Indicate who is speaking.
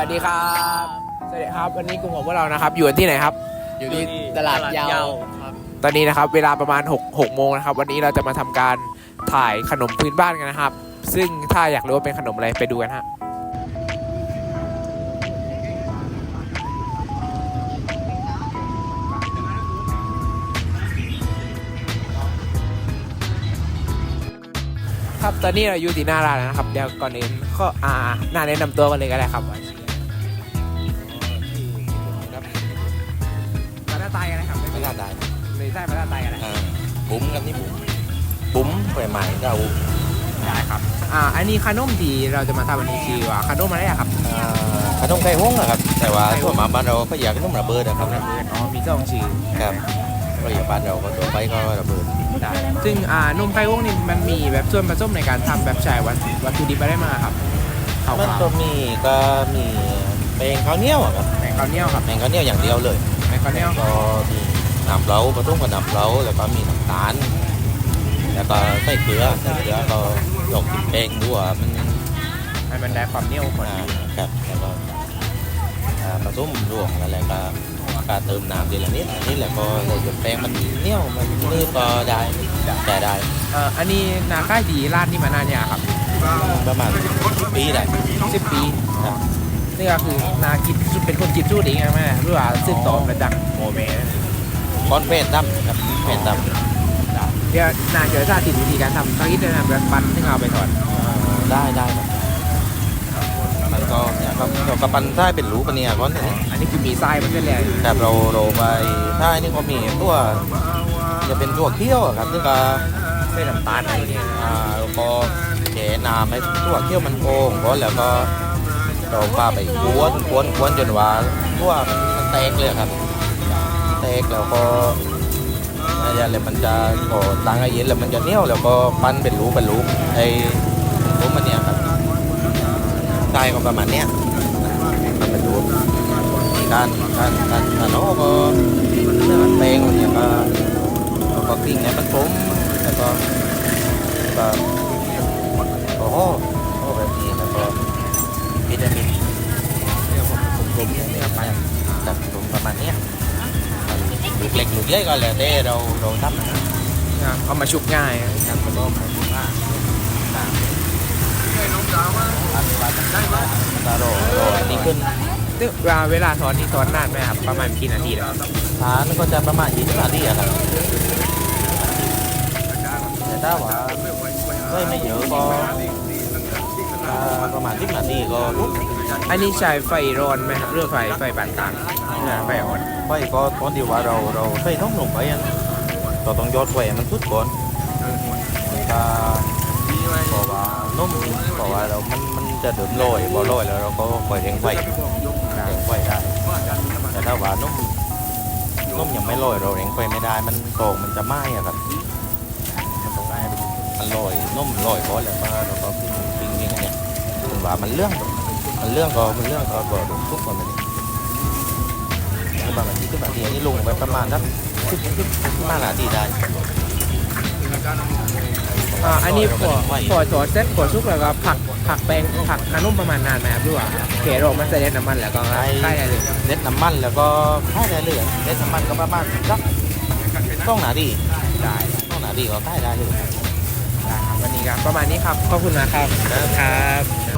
Speaker 1: สดีครับสวัสดีครับวันนี้กลุ่มของพวกเรานะครับอยู่ที่ไหนครับ
Speaker 2: อยู่ที่ตลาดเยาวครับ
Speaker 1: ตอนนี้นะครับเวลาประมาณ6โมงนะครับวันนี้เราจะมาทำการถ่ายขนมพื้นบ้านกันนะครับซึ่งถ้าอยากรู้ว่าเป็นขนมอะไรไปดูกันฮะครับตอนนี้เราอยู่ที่หน้าร้านแล้วนะครับเดี๋ยวก่อนอื่นก็หน้าแนะนำตัวกันเลยก็ได้ครับภาษาไทยอะไรครับ
Speaker 2: ไม่น่าได้
Speaker 1: เลยใต้ภาษาไทยอะไร
Speaker 2: บุ๋มกับนี่บุ๋มใหม่ๆก็เอา
Speaker 1: ได้ครับอันนี้ขนมที่เราจะมาทำวันนี้ชื่อว่าขนมอะไรอะครับ
Speaker 2: ขนมไก่ฮ้งนะครับแต่ว่าทั่วมาบ้านเราก็อยากขนมระเบิดนะครับ
Speaker 1: มีสองชื่อ
Speaker 2: ครับก็อยากบ้านเราก็ตัวไปก็ระเบิด
Speaker 1: ได้ซึ่งนมไข่วงนี่มันมีแบบส่วนผสมในการทำแบบใช้วัตถุดิบอะไรมาครับข้าว
Speaker 2: มันก็มีแป้งข้าวเหนียวครับ
Speaker 1: แป้งข้าวเหนียวครับ
Speaker 2: แป้งข้าวเหนียวอย่างเดียวเลย
Speaker 1: แป้งข้าวเหนียว
Speaker 2: ก็มีน้ำเล้าผสมกับน้ำเล้าแล้วก็มีน้ำตาลแล้วก็ใส่เกลือก็ลองกินแป้งดูว่ามัน
Speaker 1: ให้มันได้ความเหนียวก่อน
Speaker 2: ครับแล้วก็ผสมรวมอะไรก็เติมน้ำทีละนิดอันนี้แหละก็เลยจนแป้งมันเหนียวมันนืดก็ได้ได้
Speaker 1: อันนี้นาค่ายดีร้านนี้มานานยังครับ
Speaker 2: ประมาณ10 ปีได้
Speaker 1: 10 ปี
Speaker 2: ครับ
Speaker 1: นี่ก็คือนาคิดเป็นคนคิดสูตรเองใช่ไหมหรือว่าสืบต่อมาจากโมเม
Speaker 2: ก้อนเป็นดำครับเป็นด
Speaker 1: เดี๋ยวนาเกิดสาธิตวิธีการทำสักนิดนึงนะแบบปั้นที่เอาไปทอด
Speaker 2: ำได้มันก็เนี่ยครับเรากระปันท้ายเป็นรูปะเนี่ยก้อนเนี่ย
Speaker 1: อันนี้คือมีไส้มันเป็นแล้ว
Speaker 2: แต่เราไปท้ายนี่ก็มีตัวจะเป็นตัวเคี้ยวครับซึ่งก็
Speaker 1: ไม่น้ำตาลอะไรเนี่ย
Speaker 2: เราก็แช่น้ำให้ตัวเคี้ยวมันโป่งก่อนแล้วก็เราพาไปกวนจนว่าตัวมันแตกเลยครับแตกแล้วก็อะไรมันจะก็ล้างให้เย็นแล้วมันจะเหนียวแล้วก็ปั้นเป็นรูไอ้รูมันเนี่ยครับใช่ก็ประมาณเนี้ยมันเป็นรูมีการโน้ก็แป้งมันเนี่ยก็กลิ้งให้มันฟุ้งแล้วก็โอ้โหแบบนี้แล้วก็วิตามินเนี่ยผมเนี่ยไปแบบผมประมาณเนี้ยลูกเล็กลูกใหญ่ก็แล้วแต่เราทำนะ
Speaker 1: เอามาชุบง่าย
Speaker 2: ครับมันก็มาดูว่าตาโรนี่ขึ้น
Speaker 1: เวลาทอดนี่ทอดนานไหมครับประมาณกี่นาทีแล้ว
Speaker 2: ฐานก็จะประมาณ20 นาทีอะครับแต่ถ้าว่าไม่เยอะก็ประมาณ10 นาทีก็ลุก
Speaker 1: อันนี้ใช้ไฟร้อนไหมครับเรือไฟปานกลางไฟอ่อน
Speaker 2: ไฟก็ตอนที่ว่าเราใส่น้ำลงไปเราต้องยอดไฟมันสุดก่อนถ้าเพราะว่านุ่มเพราะว่ามันจะเดือดลอยบ่ลอยแล้วเราก็ปล่อยแรงไฟได้แต่ถ้าว่านุ่มยังไม่ลอยเราแรงไฟไม่ได้มันโป่งมันจะไหม้อะครับมันต้องให้มันลอยนุ่มลอยก่อนแล้วก็เราก็ปิ้งอย่างเงี้ยถึงว่ามันเรื่องก็บ่ดุทุกคนเลยประมาณ20 นาทีอันนี้ลงไปประมาณสัก15 นาทีได้
Speaker 1: อันนี้พอทอดเสร็จพอชุกแล้วก็ผักแป้งผักขนมประมาณนานไหมครับหรือว่าเกลือมันใส่น้ำมันแล้วก็ใส่ได้เลย
Speaker 2: เน็ตน้ำมันแล้วก็ค่ายได้เลยเน็ตน้ำมันก็ประมาณสัก2 นาทีได้2 นาทีก็ค่ายได้เลย
Speaker 1: ได้ครับวันนี้ครับประมาณนี้ครับขอบคุณมากครับครับ